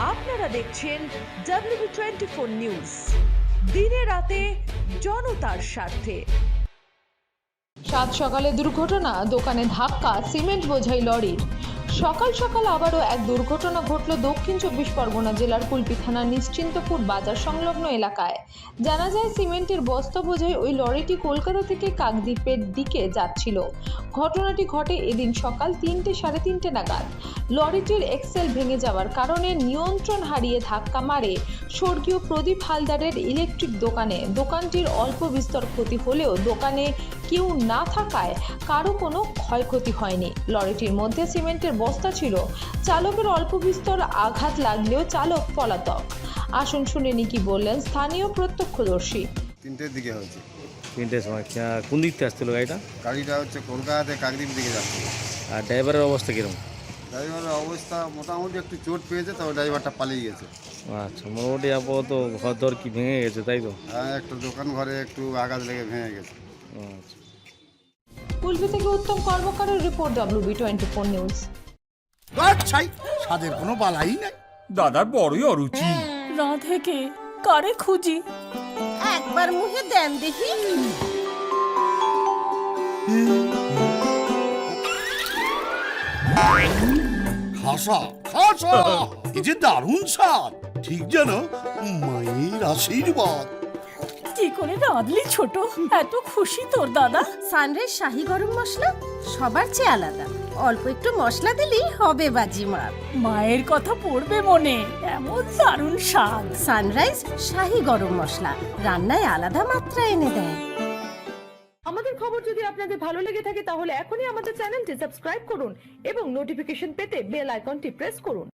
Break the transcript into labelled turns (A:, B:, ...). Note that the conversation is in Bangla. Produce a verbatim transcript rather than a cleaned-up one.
A: আপনারা দেখছেন ডব্লিউবি টোয়েন্টি ফোর নিউজ, দিনে রাতে জনতার স্বার্থে।
B: সাত সকালে দুর্ঘটনা, দোকানে ধাক্কা, সিমেন্ট বোঝাই লরির। সকাল সকাল আবারও এক দুর্ঘটনা ঘটল দক্ষিণ চব্বিশ পরগনা জেলার কুলপি থানার নিশ্চিন্তপুর বাজার সংলগ্ন এলাকায়। জানা যায়, সিমেন্টের বস্তা বোঝাই ওই লরিটি কলকাতা থেকে কাকদ্বীপের দিকে যাচ্ছিল। ঘটনাটি ঘটে এদিন সকাল তিনটে সাড়ে তিনটে নাগাদ। লরিটির এক্সেল ভেঙে যাওয়ার কারণে নিয়ন্ত্রণ হারিয়ে ধাক্কা মারে স্বর্গীয় প্রদীপ হালদারের ইলেকট্রিক দোকানে। দোকানটির অল্প বিস্তর ক্ষতি হলেও দোকানে কেউ না থাকায় কারো কোনো ক্ষয়ক্ষতি হয়নি। লরিটির মধ্যে সিমেন্টের বস্তা ছিল। চালকের অল্প বিস্তর আঘাত লাগলেও চালক পলাতক। আসুন শুনে নি কি বললেন স্থানীয় প্রত্যক্ষদর্শী।
C: তিনটের দিকে হয়েছে।
D: তিনটের সময় কোন দিক থেকে আসছিল গাড়িটা?
C: গাড়িটা হচ্ছে কলকাতাতে কাকদ্বীপ দিকে যাচ্ছে।
D: আর ড্রাইভারের অবস্থা কিরকম?
C: ড্রাইভারের অবস্থা মোটামুটি একটু চোট পেয়েছে, তবে ড্রাইভারটা পালিয়ে গেছে।
D: আচ্ছা, মোটামুটি আপাতত ঘর দর কি ভেঙে গেছে, তাই তো?
C: হ্যাঁ, একটা দোকান ঘরে একটু আঘাত লেগে ভেঙে গেছে।
D: আচ্ছা।
B: কুলপি থেকে উত্তম কর্মকারের report, WB twenty four news.
E: ছাই স্বাদের কোনো বালাই নাই।
F: দাদার বড়ই অরুচি।
G: রাধে কে কারে খুঁজি,
H: একবার মুখে দেন দেখি।
E: খাসা খাসা, এই যে দারুণ স্বাদ, ঠিক যেন মায়ের আশীর্বাদ।
G: কি করে রাঁধলি ছোট, এত খুশি তোর দাদা।
H: সানরাইজ শাহী গরম মশলা সবার চেয়ে আলাদা, অল্প একটু মশলা দিলেই হবে বাজিমাত।
G: মায়ের কথা পড়বে মনে, এমন দারুণ স্বাদ।
H: সানরাইজ শাহী গরম মশলা রান্নায় আলাদা মাত্রা এনে দেয়।
A: আমাদের খবর যদি আপনাদের ভালো লেগে থাকে তাহলে এখনই আমাদের চ্যানেলটি সাবস্ক্রাইব করুন এবং নোটিফিকেশন পেতে বেল আইকনটি প্রেস করুন।